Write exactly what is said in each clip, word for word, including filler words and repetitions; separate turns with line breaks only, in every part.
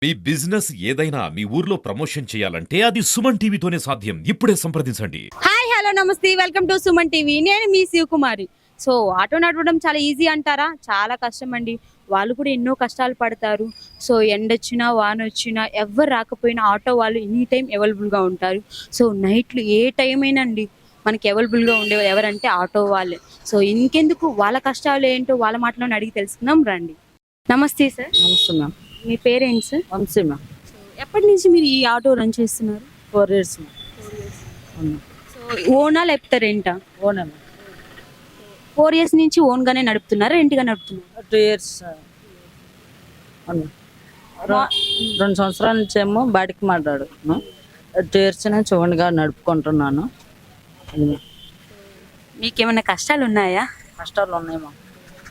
మీ business ఏదైనా మీ ఊర్లో promotion చేయాలంటే అది సుమన్ టీవీతోనే సాధ్యం. ఇప్పుడే సంప్రదించండి.
హాయ్ హలో నమస్తే వెల్కమ్ టు సుమన్ టీవీ. నేను మీ శివకుమారి. సో ఆటో నడవడం చాలా ఈజీ అంటారా? చాలా కష్టం అండి. వాళ్ళు కూడా ఎన్నో కష్టాలు పడతారు. సో ఎండొచ్చినా వాన వచ్చినా ఎవ్వరు రాకపోయినా ఆటో వాళ్ళు ఎనీ టైం అవైలబుల్గా ఉంటారు. సో నైట్లు ఏ టైం అయినా అండి మనకి అవైలబుల్గా ఉండేవారు ఎవరంటే ఆటో వాళ్ళే. సో ఇంకెందుకు వాళ్ళ కష్టాలు ఏంటో వాళ్ళ మాటలోనే అడిగి తెలుసుకుందాం రండి. నమస్తే సార్.
నమస్తే మ్యామ్.
మీ పేరెంట్స్ సార్?
వంశీ మ్యామ్.
ఎప్పటి నుంచి మీరు ఈ ఆటో రన్ చేస్తున్నారు?
Four years ma'am. అవును.
సో ఓనా లేకపోతే రెంటా?
ఓనే మ్యామ్.
ఫోర్ ఇయర్స్ నుంచి ఓన్గానే నడుపుతున్నారా రెంట్గా నడుపుతున్నారా?
టూ ఇయర్స్ అవును. రె- రెండు సంవత్సరాల నుంచి ఏమో బయటకు మాట్లాడుతున్నాను. టూ ఇయర్స్ నుంచి ఓన్గా నడుపుకుంటున్నాను. అది మ్యామ్.
మీకు ఏమైనా కష్టాలు ఉన్నాయా?
కష్టాలు ఉన్నాయి మ్యామ్.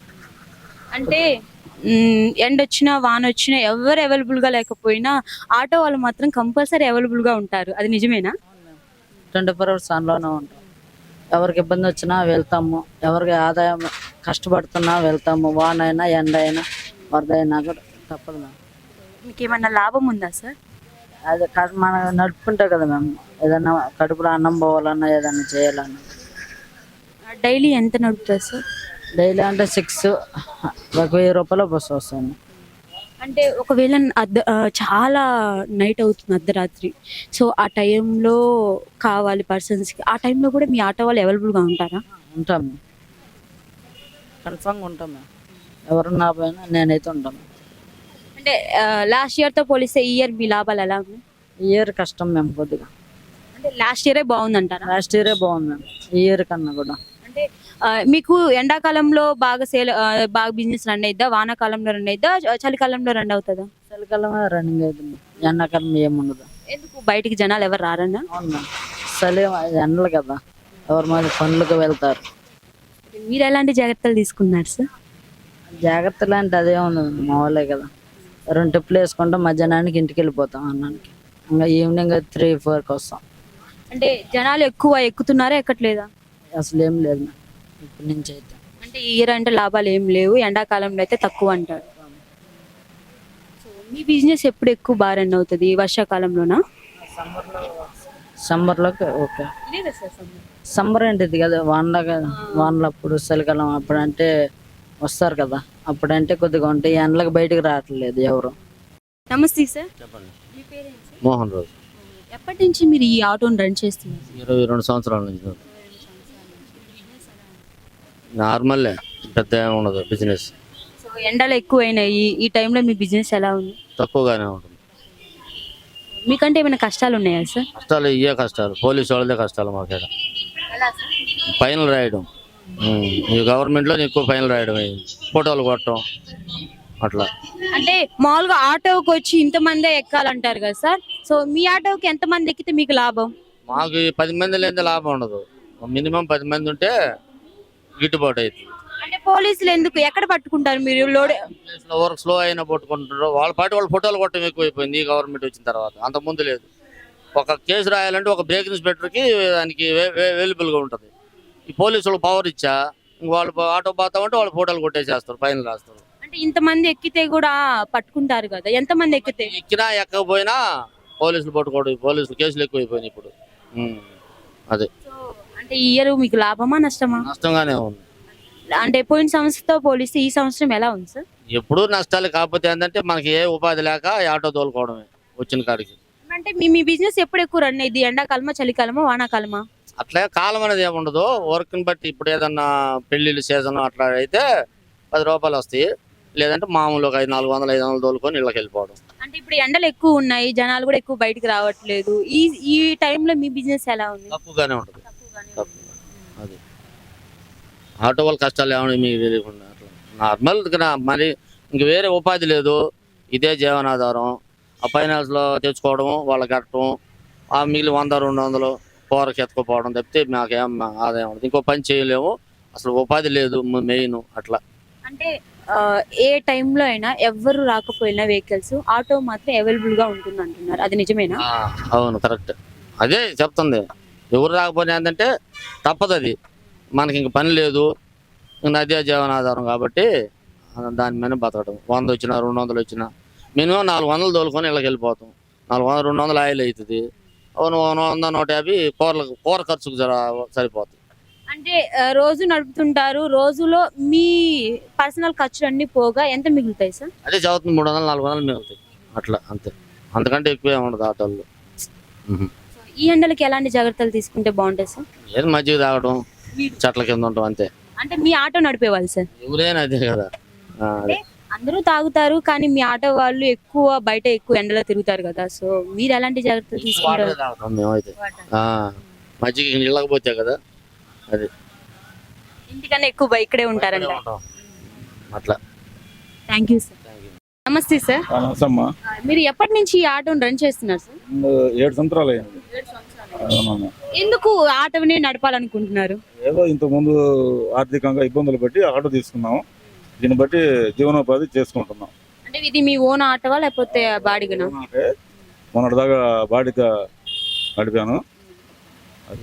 అంటే మ్, ఎండ వచ్చినా వాన వచ్చినా ఎవరు అవైలబుల్గా లేకపోయినా ఆటో వాళ్ళు మాత్రం కంపల్సరీ అవైలబుల్గా ఉంటారు. అది నిజమేనా?
ట్వంటీ ఫోర్ అవర్స్ ఆన్లోనే ఉంటాం. ఎవరికి ఇబ్బంది వచ్చినా వెళ్తాము. ఎవరికి ఆదాయం కష్టపడుతున్నా వెళ్తాము. వాన అయినా ఎండ అయినా వరద అయినా కూడా తప్పదు మ్యామ్.
మీకు ఏమైనా లాభం ఉందా సార్?
అది క- మనం నడుపుకుంటే కదా మ్యామ్ ఏదైనా కడుపులో అన్నం పోవాలన్నా ఏదైనా చేయాలన్నా.
డైలీ ఎంత నడుపుతారు సార్?
డైలీ అంటే సిక్స్ ఒక వెయ్యి రూపాయలు బస్సు వస్తుంది.
అంటే ఒకవేళ అర్ధ ఆ, చాలా నైట్ అవుతుంది అర్ధరాత్రి. సో ఆ టైంలో కావాలి పర్సన్స్కి, ఆ టైంలో కూడా మీ ఆటో వాళ్ళు అవైలబుల్గా ఉంటారా?
ఉంటాం కన్ఫామ్గా ఉంటాం మేము. ఎవరున్నా పోయినా నేనైతే ఉంటాను.
అంటే లాస్ట్ ఇయర్తో పోలిస్తే ఈ ఇయర్ మీ లాభాలు ఎలా ఉన్నాయి?
ఈ ఇయర్ కష్టం మేము కొద్దిగా.
అంటే లాస్ట్ ఇయరే బాగుందంటారా?
లాస్ట్ ఇయరే బాగుంది మేము ఈ ఇయర్ కన్నా కూడా.
అంటే ఆ, మీకు ఎండాకాలంలో బాగా సేల్ ఆ, బాగా బిజినెస్ రన్ అయిద్దా? వానాకాలంలో రన్ అయిద్దా? చ- చలికాలంలో రన్ అవుతుందా?
చలికాలమే రన్నింగ్ అవుతుంది. ఎండాకాలం ఏముండదు.
ఎందుకు బయటికి జనాలు ఎవరు రారన్నా?
అవును మ్యామ్. చలి ఎండలు కదా ఎవరి మీద పనులకు వెళ్తారు.
మీరు ఎలాంటి జాగ్రత్తలు తీసుకున్నారు సార్?
జాగ్రత్తలు అంటే అదే ఉంది మామూలే కదా. రెండు టిప్పులు వేసుకుంటాం మధ్యాహ్నానికి ఇంటికి వెళ్ళిపోతాం అన్నానికి. ఇంకా ఈవినింగ్ త్రీ ఫోర్కి వస్తాం.
అంటే జనాలు ఎక్కువ ఎక్కుతున్నారా ఎక్కట్లేదా?
అసలు ఏం లేదు మ్యామ్ ఇప్పటి నుంచి అయితే.
అంటే ఈ ఇయర్ అంటే లాభాలు ఏం లేవు, ఎండాకాలంలో అయితే తక్కువ అంటారు. సో మీ బిజినెస్ ఎప్పుడు ఎక్కువ బాగా రన్ అవుతుంది? వర్షాకాలంలోనా?
సమ్మర్లోకి ఓకే.
లేదా సార్ సమ్మర్?
సమ్మర్ ఏంటిది కదా వానల వానలప్పుడు చలికాలం అప్పుడు అంటే వస్తారు కదా అప్పుడంటే కొద్దిగా ఉంటాయి. ఎండలకు బయటకు రావట్లేదు ఎవరు.
నమస్తే సార్.
చెప్పండి.
మీ పేరెంట్స్?
మోహన్ రాజు.
ఎప్పటి నుంచి మీరు ఈ ఆటోని రన్ చేస్తున్నారు?
ఇరవై రెండు సంవత్సరాల నుంచి నార్మల్లే, పెద్ద ఏమి ఉండదు బిజినెస్.
సో ఎండలు ఎక్కువైనాయి, ఈ టైంలో మీ బిజినెస్ ఎలా ఉంది?
తక్కువగానే ఉంటుంది.
మీకంటే ఏమైనా కష్టాలు ఉన్నాయా సార్?
కష్టాలు ఇవే కష్టాలు, పోలీసు వాళ్ళదే కష్టాలు మాకేడ. ఫైనల్ రాయడం ఉమ్, ఈ గవర్నమెంట్లో ఎక్కువ ఫైనల్ రాయడం అయింది. ఫోటోలు కొట్టడం అట్లా.
అంటే మామూలుగా ఆటోకి వచ్చి ఇంతమందే ఎక్కాలంటారు కదా సార్. సో మీ ఆటోకి ఎంతమంది ఎక్కితే మీకు లాభం?
మాకు ఈ పది మంది లేని లాభం ఉండదు. మినిమం పది మంది ఉంటే గిట్టుబాటు అవుతుంది.
అంటే పోలీసులు ఎందుకు ఎక్కడ పట్టుకుంటారు మీరు? లోడ్
ప్లేస్లో వర్క్ స్లో అయినా పట్టుకుంటారు. వాళ్ళ పాటి వాళ్ళు ఫోటోలు కొట్టడం ఎక్కువైపోయింది ఈ గవర్నమెంట్ వచ్చిన తర్వాత. అంత ముందు లేదు. ఒక కేసు రాయాలంటే ఒక బ్రేక్ ఇన్స్పెక్టర్కి దానికి అవైలబుల్గా ఉంటుంది. ఈ పోలీసులు పవర్ ఇచ్చా ఇంక వాళ్ళు ఆటో పోతా ఉంటే వాళ్ళు ఫోటోలు కొట్టేసేస్తారు, ఫైన్ రాస్తారు.
అంటే ఇంతమంది ఎక్కితే కూడా పట్టుకుంటారు కదా, ఎంతమంది ఎక్కితే?
ఎక్కినా ఎక్కకపోయినా పోలీసులు పట్టుకోడు. పోలీసులు కేసులు ఎక్కువైపోయినాయి ఇప్పుడు. ఉమ్, అదే
సో అంటే ఈ ఇయర్ మీకు లాభమా నష్టమా?
నష్టంగానే ఉంది.
అంటే పోయిన సంవత్సరంతో పోలిస్తే ఈ సంవత్సరం ఎలా ఉంది సార్?
ఎప్పుడూ నష్టాలు. కాకపోతే ఏంటంటే మనకి ఏ ఉపాధి లేక ఈ ఆటో తోలుకోవడమే వచ్చిన కాడికి.
అంటే మీ మీ బిజినెస్ ఎప్పుడు ఎక్కువ రన్ అయ్యింది? ఎండాకాలమా, చలికాలమా, వానాకాలమా?
అట్లా కాలం అనేది ఏముండదు. వర్క్ని బట్టి ఇప్పుడు ఏదన్నా పెళ్లిళ్ళు సీజన్ అట్లా అయితే పది రూపాయలు వస్తాయి. లేదంటే మామూలుగా ఐదు నాలుగు వందలు ఐదు వందలు తోలుకొని ఇళ్ళకి వెళ్ళిపోవడం.
అంటే ఇప్పుడు ఎండలు ఎక్కువ ఉన్నాయి, జనాలు కూడా ఎక్కువ బయటికి రావట్లేదు. ఈ ఈ టైంలో మీ బిజినెస్ ఎలా ఉంది?
తక్కువగానే ఉంటుంది. తక్కువ అది ఆటో వాళ్ళ కష్టాలు ఏమన్నా మీకు తెలియకుండా అట్లా నార్మల్ మరి ఇంక వేరే ఉపాధి లేదు. ఇదే జీవనాధారం. ఆ ఫైనాన్స్లో తెచ్చుకోవడం వాళ్ళకి కట్టడం, ఆ మిగిలిన వంద రెండు వందలు కూరకి ఎత్తుకుపోవడం తప్పితే మాకేం ఆదాయం ఉండదు. ఇంకో పని చేయలేము. అసలు ఉపాధి లేదు మెయిన్ అట్లా.
అంటే ఆ, ఏ టైంలో అయినా ఎవ్వరు రాకపోయినా వెహికల్స్ ఆటో మాత్రం అవైలబుల్ గా ఉంటుంది అంటున్నారు, అది నిజమేనా?
ఆ, అవును కరెక్ట్. అదే చెప్తుంది. ఎవరు రాకపోయినా ఏంటంటే తప్పదు. అది మనకి ఇంక పని లేదు, ఇంక అదే జీవనాధారం కాబట్టి దాని మీద బతకడం. వంద వచ్చినా రెండు వందలు వచ్చినా మినిమం నాలుగు వందలు తోలుకొని ఇళ్ళకి వెళ్ళిపోతాం. నాలుగు వందలు రెండు వందలు ఆయిల్ అవుతుంది. వంద నూట యాభై కూరలకు కూర ఖర్చుకు జర సరిపోతుంది.
అంటే ఆ, రోజు నడుపుతుంటారు, రోజులో మీ పర్సనల్ ఖర్చులు అన్ని పోగా ఎంత మిగులుతాయి సార్?
అదే చదువుతుంది మూడు వందలు నాలుగు వందలు మిగులుతాయి అట్లా, అంతే. అంతకంటే ఎక్కువ ఏమి ఉండదు ఆటోల్లో.
ఈ ఎండలకి ఎలాంటి జాగ్రత్తలు తీసుకుంటే బాగుంటాయి సార్?
ఏది మజ్జిగ తాగడం, చెట్ల కింద ఉంటాం అంతే.
అంటే మీ ఆటో నడిపేవాళ్ళు సార్?
ఎవరైనా అదే కదా. ఆ, అదే.
అందరూ తాగుతారు కానీ మీ ఆటో వాళ్ళు ఎక్కువ బయట ఎక్కువ ఎండలో తిరుగుతారు కదా, సో మీరు ఎలాంటి జాగ్రత్తలు
వాటరే
తీసుకుంటారు?
తాగుతాం మేమైతే. ఆ, మజ్జిగ ఇళ్ళకి పోతే కదా అది
ఇంటికన్నా ఎక్కువ బై- ఇక్కడే ఉంటారంట.
ఉంటాం. అట్లా.
Thank you sir. నమస్తే సార్.
నమస్తమ్మా.
మీరు ఎప్పటి నుంచి ఈ ఆటోని రన్ చేస్తున్నారు సార్?
ఏడు సంవత్సరాలు అయింది. అవునమ్మా.
ఎందుకు ఆటోని నడపాలనుకుంటున్నారు?
ఏదో ఇంతకుముందు ఆర్థికంగా ఇబ్బందులు బట్టి ఆటో తీసుకున్నాము. దీన్ని బట్టి జీవనోపాధి చేసుకుంటున్నాం.
అంటే ఇది మీ ఓన్ ఆటోవా లేకపోతే బాడిగనా?
అంటే మొన్నటిదాకా బాడిక నడిపాను. అది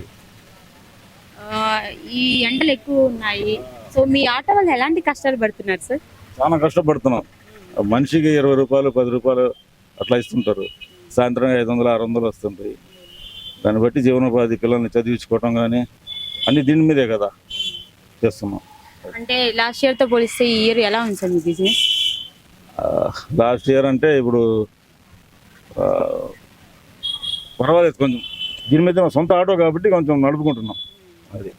ఆ, ఈ ఎండలు ఎక్కువ ఉన్నాయి, సో మీ ఆటో వాళ్ళు ఎలాంటి కష్టాలు పడుతున్నారు సార్?
చాలా కష్టపడుతున్నాం. మనిషికి ఇరవై రూపాయలు పది రూపాయలు అట్లా ఇస్తుంటారు. సాయంత్రం ఐదు వందలు ఆరు వందలు వస్తుంటాయి. దాన్ని బట్టి జీవనోపాధి పిల్లల్ని చదివించుకోవటం కానీ అన్ని దీని మీదే కదా చేస్తున్నాం.
అంటే లాస్ట్ ఇయర్ తో పోలిస్తే ఈ ఇయర్ ఎలా ఉంది సార్ మీ బిజినెస్?
లాస్ట్ ఇయర్ అంటే ఇప్పుడు ఆ, పర్వాలేదు కొంచెం. దీని మీద మా సొంత ఆటో కాబట్టి కొంచెం నడుపుకుంటున్నాం. అది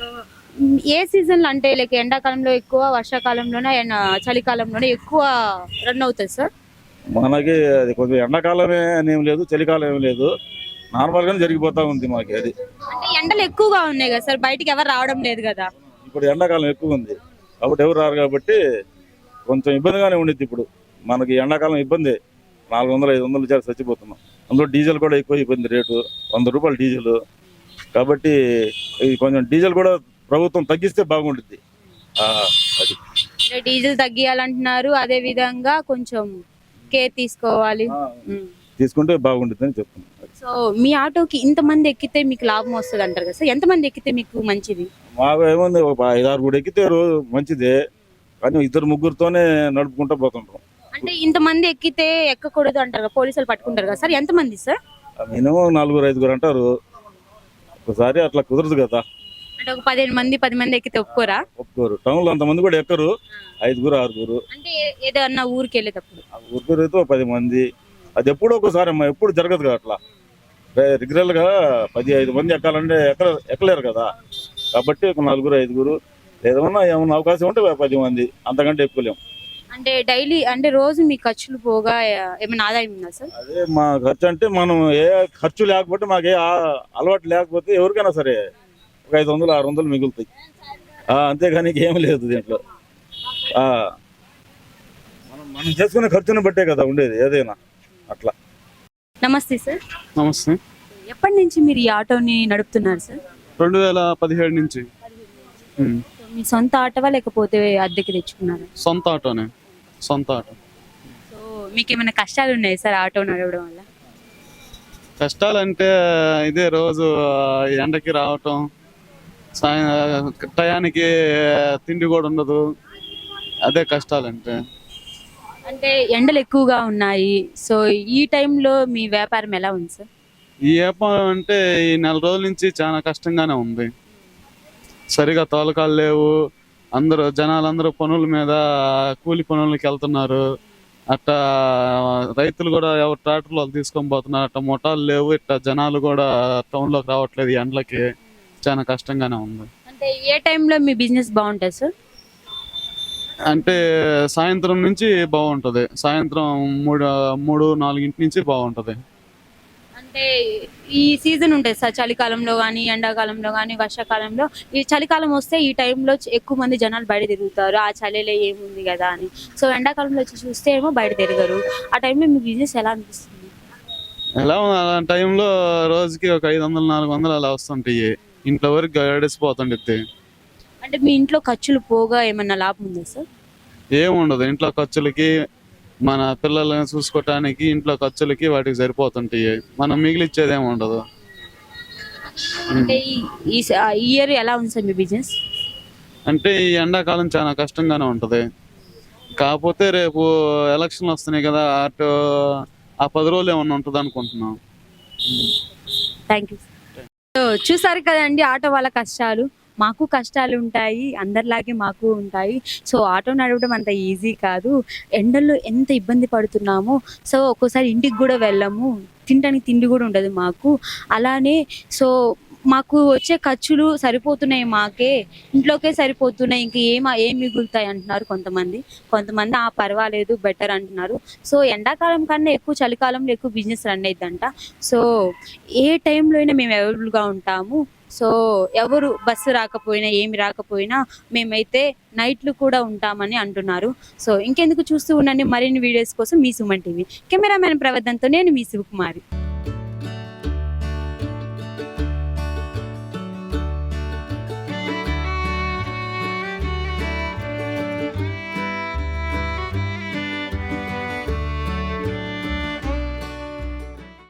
ఏ సీజన్ లో అంటే లైక్ ఎండాకాలంలో ఎక్కువ, వర్షాకాలంలోనే అండ్ చలికాలంలోనే ఎక్కువ రన్ అవుతుంది సార్?
మనకి అది కొంచెం ఎండాకాలమే అని ఏం లేదు, చలికాలం ఏం లేదు, నార్మల్గానే జరిగిపోతా ఉంది మాకు. అది
అంటే ఎండలు ఎక్కువగా ఉన్నాయి కదా సార్, బయటికి ఎవరు రావడం లేదు కదా.
ఇప్పుడు ఎండాకాలం ఎక్కువ ఉంది కాబట్టి ఎవరు రారు కాబట్టి కొంచెం ఇబ్బందిగానే ఉండిద్ది. ఇప్పుడు మనకి ఎండాకాలం ఇబ్బంది. నాలుగు వందలు ఐదు వందలు చేసి చచ్చిపోతున్నాం. అందులో డీజిల్ కూడా ఎక్కువ ఇబ్బంది, రేటు వంద రూపాయలు డీజిల్. కాబట్టి ఇది కొంచెం డీజిల్ కూడా ప్రభుత్వం తగ్గిస్తే బాగుంటుంది. ఆ, అది
అంటే డీజిల్ తగ్గియాలంటున్నారు, అదే విధంగా కొంచెం కేర్ తీసుకోవాలి.
ఆ,
ఉమ్.
తీసుకుంటే బాగుంటుంది అని చెప్తున్నాను.
సో మీ ఆటోకి ఇంతమంది ఎక్కితే మీకు లాభం వస్తుంది అంటారు కదా సార్, ఎంతమంది ఎక్కితే మీకు మంచిది?
మాకు ఏముంది, ఒక ఐదు ఆరు కూడా ఎక్కితే రోజు మంచిదే, కానీ ఇద్దరు ముగ్గురుతోనే నడుపుకుంటూ పోతుంటాం.
అంటే ఇంతమంది ఎక్కితే ఎక్కకూడదు అంటారు కదా, పోలీసులు పట్టుకుంటారు కదా సార్, ఎంతమంది సార్?
మినిమం నలుగురు ఐదుగురు అంటారు. ఒకసారి అట్లా కుదరదు కదా,
అంటే ఒక పదిహేను మంది పది మంది ఎక్కితే ఒప్పుకోరా?
ఒప్పుకోరు. టౌన్లో అంతమంది కూడా ఎక్కరు, ఐదుగురు ఆరుగురు.
అంటే ఏ- ఏదన్నా ఊరికి వెళ్ళేటప్పుడు
ఊరుకురు అయితే పది మంది. అది ఎప్పుడో ఒకసారి అమ్మా, ఎప్పుడు జరగదు కదా అట్లా. రెగ్యులర్ గా పది ఐదు మంది ఎక్కాలంటే ఎక్క ఎక్కలేరు కదా. కాబట్టి ఒక నలుగురు ఐదుగురు, ఏదైనా ఏమన్నా అవకాశం ఉంటే పది మంది, అంతకంటే ఎక్కువలేము.
అంటే డైలీ అంటే రోజు మీ ఖర్చులు పోగా ఏ- ఏమైనా ఆదాయం ఉందా సార్?
అదే మా ఖర్చు అంటే మనం ఏ ఖర్చు లేకపోతే మాకు ఏ ఆ- అలవాటు లేకపోతే ఎవరికైనా సరే ఒక ఐదు వందలు ఆరు వందలు మిగులుతాయి. ఆ, అంతేగాని ఏం లేదు దీంట్లో. ఆ, మనం మనం చేసుకునే ఖర్చుని బట్టే కదా ఉండేది ఏదైనా అట్లా.
నమస్తే సార్.
నమస్తే.
ఎప్పటి నుంచి మీరు ఈ ఆటోని నడుపుతున్నారు సార్?
రెండు వేల పదిహేడు నుంచి ఉమ్.
సో మీ సొంత ఆటోవా లేకపోతే అద్దెకి తెచ్చుకున్నారా?
సొంత ఆటోనే, సొంత ఆటో.
సో మీకు ఏమైనా కష్టాలు ఉన్నాయి సార్ ఆటో నడవడం వల్ల?
కష్టాలంటే ఇదే రోజు ఆ, ఎండకి రావటం, సాయం టయానికి తిండి కూడా ఉండదు, అదే కష్టాలంటే.
అంటే ఎండలు ఎక్కువగా ఉన్నాయి, సో ఈ టైంలో మీ వ్యాపారం ఎలా ఉంది సార్?
ఈ వ్యాపారం అంటే ఈ నెల రోజుల నుంచి చాలా కష్టంగానే ఉంది. సరిగా తోలకాలు లేవు, అందరూ జనాలందరూ పనుల మీద కూలి పనులకి వెళ్తున్నారు. అట్టా రైతులు కూడా ఎవరు ట్రాక్టర్లు వాళ్ళు తీసుకొని పోతున్నారు. అట్ట ముఠాలు లేవు, ఇట్ట జనాలు కూడా టౌన్లోకి రావట్లేదు. ఈ ఎండలకి చాలా కష్టంగానే ఉంది.
అంటే ఏ టైంలో మీ బిజినెస్ బాగుంటుంది సార్?
అంటే సాయంత్రం నుంచి బాగుంటుంది, సాయంత్రం మూడు మూడు నాలుగింటి నుంచి బాగుంటుంది.
అంటే ఈ సీజన్ ఉంటుంది సార్, చలికాలంలో కానీ ఎండాకాలంలో కానీ వర్షాకాలంలో. ఈ చలికాలం వస్తే ఈ టైంలో ఎక్కువ మంది జనాలు బయట తిరుగుతారు, ఆ చలిలో ఏముంది కదా అని. సో ఎండాకాలంలో వచ్చి చూస్తే ఏమో బయట తిరగరు. ఆ టైంలో మీ బిజినెస్ ఎలా అనిపిస్తుంది?
ఎలా ఉంది ఆ టైంలో రోజుకి ఒక ఐదు వందలు నాలుగు వందలు అలా వస్తుంటాయి. ఇంట్లో వరకు గడిసిపోతుండిద్ది.
అంటే మీ ఇంట్లో ఖర్చులు పోగా ఏమన్నా లాభం ఉందా సార్?
ఏముండదు, ఇంట్లో ఖర్చులకి మన పిల్లల్ని చూసుకోవటానికి ఇంట్లో ఖర్చులకి వాటికి సరిపోతుంటాయి. మనం మిగిలిచ్చేది ఏమి ఉండదు.
అంటే ఈ- ఈ స- ఈ ఇయర్ ఎలా ఉంది సార్ మీ బిజినెస్?
అంటే ఈ ఎండాకాలం చాలా కష్టంగానే ఉంటుంది. కాకపోతే రేపు ఎలక్షన్లు వస్తున్నాయి కదా, అటు ఆ పది రోజులు ఏమన్నా ఉంటుంది అనుకుంటున్నాం.
Thank you. సో చూసారు కదండి ఆటో వాళ్ళ కష్టాలు. మాకు కష్టాలు ఉంటాయి, అందరిలాగే మాకు ఉంటాయి. సో ఆటో నడవడం అంత ఈజీ కాదు. ఎండల్లో ఎంత ఇబ్బంది పడుతున్నామో. సో ఒక్కోసారి ఇంటికి కూడా వెళ్ళము, తినడానికి తిండి కూడా ఉండదు మాకు. అలానే సో మాకు వచ్చే ఖర్చులు సరిపోతున్నాయి, మాకే ఇంట్లోకే సరిపోతున్నాయి, ఇంక ఏం ఏం మిగులుతాయి అంటున్నారు కొంతమంది. కొంతమంది ఆ పర్వాలేదు బెటర్ అంటున్నారు. సో ఎండాకాలం కన్నా ఎక్కువ చలికాలంలో ఎక్కువ బిజినెస్ రన్ అయిద్దంట. సో ఏ టైంలో అయినా మేము అవైలబుల్గా ఉంటాము. సో ఎవరు బస్సు రాకపోయినా ఏమి రాకపోయినా మేమైతే నైట్లు కూడా ఉంటామని అంటున్నారు. సో ఇంకెందుకు చూస్తూ ఉండండి మరిన్ని వీడియోస్ కోసం మీ సుమన్ టీవీ. కెమెరామెన్ ప్రవర్ధన్తో నేను మీ శివకుమారి.